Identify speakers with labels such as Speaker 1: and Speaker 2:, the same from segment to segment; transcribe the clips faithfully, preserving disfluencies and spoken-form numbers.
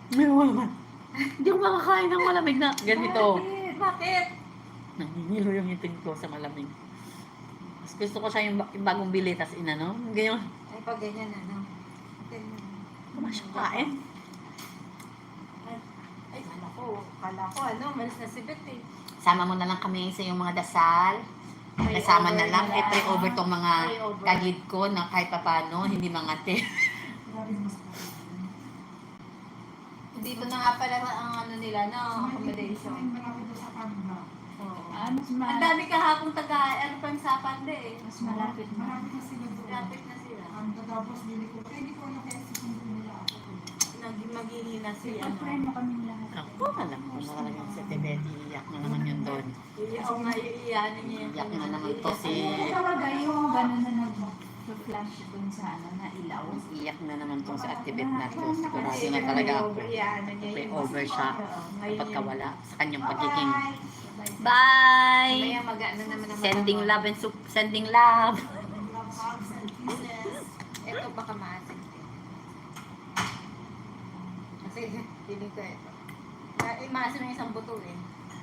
Speaker 1: May naman. Hindi ako makakain ng malamig na ganito.
Speaker 2: Bakit? Bakit?
Speaker 1: Nanginilo yung ngipin ko sa malamig. Mas gusto ko siya yung, ba- yung bagong bili, tas inano. Ganyan.
Speaker 2: Ay, pag ganyan ano. Ganyan.
Speaker 1: Kumasya kain.
Speaker 2: Ay, ay, kala ko, kala ko ano, malis na si Beth eh.
Speaker 1: Sama mo na lang kami sa yung mga dasal.
Speaker 2: Pray
Speaker 1: Kasama
Speaker 2: over
Speaker 1: na lang.
Speaker 2: na
Speaker 1: Eh, pray over tong mga
Speaker 2: Pray over.
Speaker 1: kagid ko na kahit papano, hindi mangate.
Speaker 2: Dito na nga pala ang ano nila, no? Accommodation. Oo.
Speaker 3: Ah, mas
Speaker 2: Ang
Speaker 3: malapit.
Speaker 2: dami kahapong taga, ano pa yung sapande eh.
Speaker 3: Mas malapit na.
Speaker 4: Malapit na sila doon.
Speaker 2: Lapit na sila.
Speaker 4: Ang tatapos bili ko. Kaya hindi ko na kaya si Kundo nila ako.
Speaker 2: Nag maghihina si
Speaker 3: Ipag-pray
Speaker 2: ano.
Speaker 3: mo kaming lahat.
Speaker 1: Ako, alam ko na talagang sa Tibet. Iiyak na naman yun doon.
Speaker 2: Oo nga, iiyanin niya.
Speaker 1: Iiyak na naman to si...
Speaker 3: Talaga yung gano'n na nag-flash dun sa ano, na ilaw.
Speaker 1: Iiyak na naman tong sa Tibet na to. Sigurado na talaga ako.
Speaker 2: Iiyanin niya
Speaker 1: Pray
Speaker 2: yung-
Speaker 1: over siya
Speaker 2: Oo, ngayon
Speaker 1: kapag
Speaker 2: yun.
Speaker 1: kawala sa kanyang pagiging.
Speaker 2: Mamaya
Speaker 1: Bye!
Speaker 2: mag-ano naman ang
Speaker 1: Sending
Speaker 2: mga-
Speaker 1: love and sup- sending love.
Speaker 4: Hugs and kisses.
Speaker 2: Ito baka maasin din. Kasi, hindi ko ito. Eh, maasin ng isang buto eh.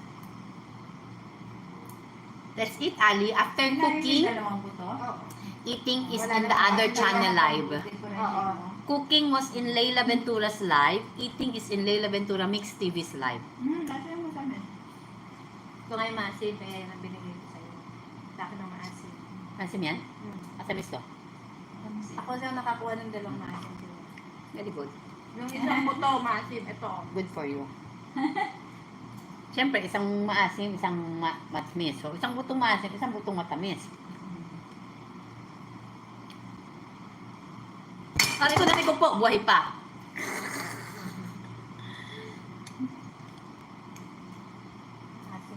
Speaker 1: Let's eat, Ali. After cooking,
Speaker 3: Dalawang buto?
Speaker 2: Oo.
Speaker 1: eating is
Speaker 2: Wala
Speaker 1: in the
Speaker 2: na-
Speaker 1: other channel live.
Speaker 2: Oo.
Speaker 1: Cooking was in Leila Ventura's live. Eating is in Leila Ventura Mix T V's live.
Speaker 3: Hmm, dati mo kami.
Speaker 2: Ito nga yung maasin, kaya yun ang binigay ko sa'yo. Sa akin ang maasin.
Speaker 1: Pansin yan?
Speaker 2: Hmm.
Speaker 1: Asamis to?
Speaker 2: Ako siya nakakuha ng dalawang maasin.
Speaker 1: Very good.
Speaker 2: Yung isang buto, maasin, ito.
Speaker 1: Good for you. Siyempre, isang maasim, isang ma matamis. So, isang butong maasim, isang butong matamis. Ari ko natin ko po, buhay pa.
Speaker 2: Maasin.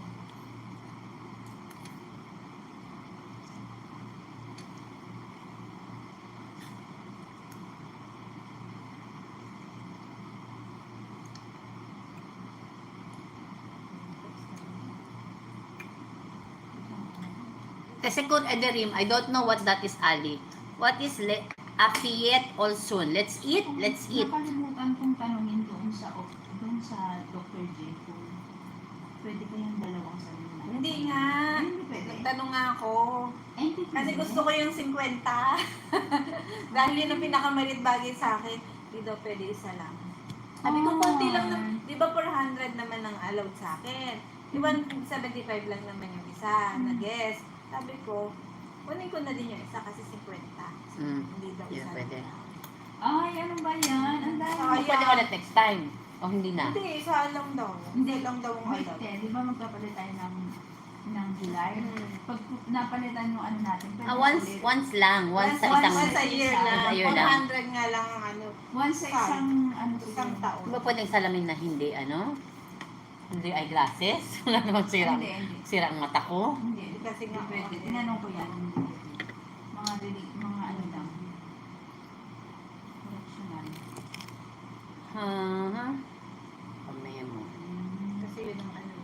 Speaker 1: The second Ederim, I don't know what that is, Ali. What is le Afiyet also? Let's eat, let's eat.
Speaker 3: Nakalimutan kong tanongin doon sa doon sa Doctor J kung pwede ba yung dalawang salina?
Speaker 2: Hindi nga.
Speaker 3: Hindi pwede.
Speaker 2: Nagtanong nga ako.
Speaker 3: Eh, hindi
Speaker 2: Kasi
Speaker 3: pwede.
Speaker 2: gusto ko yung fifty. Dahil yun ang pinakamalit bagay sa akin. Hindi daw pwede isa lang. Sabi ko,
Speaker 3: Oh.
Speaker 2: konti lang. na- Di ba four hundred naman ang allowed sa akin? Di ba one seventy-five lang naman yung isa na guest. Sabi ko, kunin ko na din yung isa kasi fifty.
Speaker 1: Mm.
Speaker 2: Hindi daw
Speaker 1: Yeah,
Speaker 2: isa.
Speaker 1: pwede.
Speaker 3: Ay, ano ba yan? Ang dami.
Speaker 2: Ay,
Speaker 1: Pwede ulit next time. O hindi na.
Speaker 2: Hindi, isa lang daw. Hindi lang daw ang
Speaker 3: Wait,
Speaker 2: allowed.
Speaker 3: eh, di ba magpapalit tayo ng ng July?
Speaker 2: Hmm.
Speaker 3: Pag napalitan yung ano natin, pwede
Speaker 1: Ah, once,
Speaker 3: ulit.
Speaker 1: once lang. Once sa
Speaker 2: Once-
Speaker 1: isang...
Speaker 2: once a year lang.
Speaker 1: Once a year lang.
Speaker 2: one hundred nga lang ang ano.
Speaker 3: Once sa isang ano
Speaker 2: Isang
Speaker 3: siguro.
Speaker 2: taon.
Speaker 1: Di ba pwedeng salamin na hindi, ano? Hindi eyeglasses? Wala namang sira.
Speaker 3: Hindi, hindi.
Speaker 1: Sira ang mata ko.
Speaker 3: Hindi,
Speaker 2: Kasi
Speaker 3: hindi
Speaker 2: nga,
Speaker 3: pwede.
Speaker 2: oo.
Speaker 3: Tinanong ko yan. Mga dili, mga ano lang. Correctional.
Speaker 1: Ha? Ha? Pamaya mo.
Speaker 2: Kasi yun ang ano.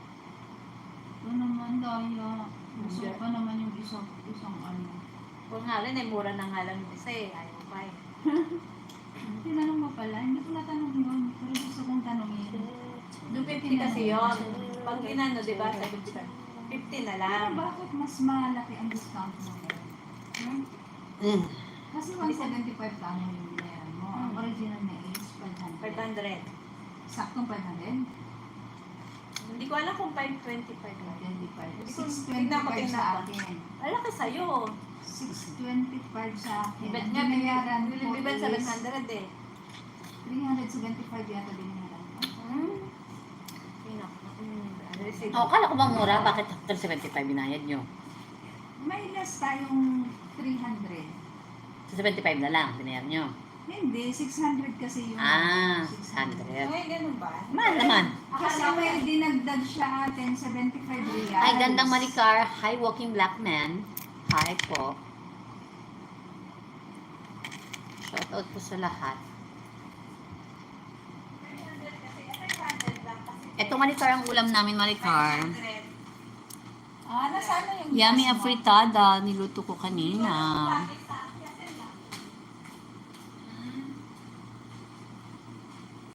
Speaker 3: Ito naman, Daya. Gusto pa naman yung isang, isang ano.
Speaker 2: Kung nga rin, eh, mura na nga lang yung isa eh. Ayaw pa eh.
Speaker 3: Tinanong mo pala, hindi ko natanong yun. Pero gusto kong tanongin.
Speaker 2: Yung fifty kasi yun. Pag inano, di ba? seventy-five. fifty na lang.
Speaker 3: Pero bakit mas malaki ang discount mo? Hmm?
Speaker 1: Mm.
Speaker 3: Kasi one seventy-five ka mo yung binayaran mo. Ang original na is five hundred.
Speaker 2: five hundred.
Speaker 3: Saktong five hundred?
Speaker 2: Hindi ko alam kung five twenty-five lang.
Speaker 3: twenty-five.
Speaker 2: Hindi ko-
Speaker 3: six
Speaker 2: tignan ko,
Speaker 3: twenty-five
Speaker 2: tignan
Speaker 3: sa
Speaker 2: ko.
Speaker 3: akin.
Speaker 2: Malaki sa'yo.
Speaker 3: six twenty-five sa akin.
Speaker 2: Bet
Speaker 3: Ang
Speaker 2: nga,
Speaker 3: binayaran ko
Speaker 2: biliban
Speaker 3: is
Speaker 2: seven hundred eh.
Speaker 3: three seventy-five yata binayaran ko.
Speaker 2: Hmm. Yun ako. Hmm. Ano receipt?
Speaker 1: Oh, kala ko ba mura? Bakit after seventy-five binayad nyo?
Speaker 3: May less tayong three hundred.
Speaker 1: Sa seventy-five na lang, binayad nyo.
Speaker 3: Hindi, six hundred kasi yung...
Speaker 1: Ah,
Speaker 3: six
Speaker 1: one hundred.
Speaker 2: Ay, ganun ba?
Speaker 1: Mahal naman.
Speaker 3: Kasi may dinagdag siya atin, seventy-five reals.
Speaker 1: Ay, gandang Maricar. Hi, walking black man. Hi po. Shout out po sa lahat. Ito, Maricar, ang ulam namin, Maricar.
Speaker 3: Ah, nasaan na yung
Speaker 1: Yummy
Speaker 3: gas mo?
Speaker 1: afritada. Niluto ko kanina.